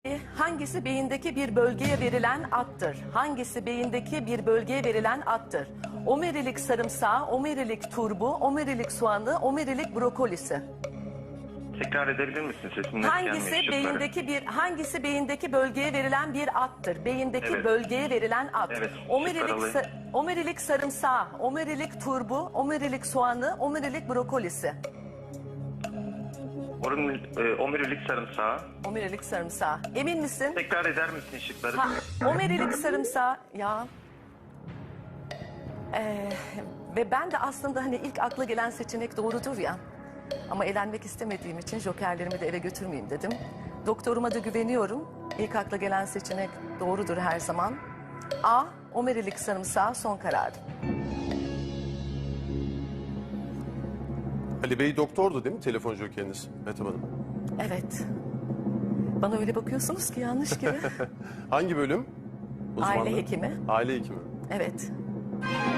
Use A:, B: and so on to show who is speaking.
A: Hangisi beyindeki bir bölgeye verilen addır? Hangisi beyindeki bir bölgeye verilen addır? Omerilik sarımsağı, omerilik turbu, omerilik soğanı, omerilik brokolisi.
B: Tekrar edebilir misin? Sesin net
A: Hangisi
B: gelmiyor.
A: hangisi beyindeki bölgeye verilen bir addır? Beyindeki
B: Evet.
A: bölgeye verilen ad.
B: Evet,
A: Omerilik,
B: şıklar
A: omerilik sarımsağı, omerilik turbu, omerilik soğanı, omerilik brokolisi.
B: Omurilik sarımsağı.
A: Omerilik sarımsağı. Emin misin?
B: Tekrar eder misin şıkları?
A: Omerilik sarımsağı ya. Ve ben de aslında hani ilk akla gelen seçenek doğrudur ya. Ama elenmek istemediğim için jokerlerimi de ele götürmeyeyim dedim. Doktoruma da güveniyorum. İlk akla gelen seçenek doğrudur her zaman. A. Omerilik sarımsağı son karar.
C: Ali Bey doktordu değil mi telefon jokeriniz Mehtap Hanım?
A: Evet. Bana öyle bakıyorsunuz ki yanlış gibi.
C: Hangi bölüm?
A: Aile hekimi.
C: Aile hekimi.
A: Evet.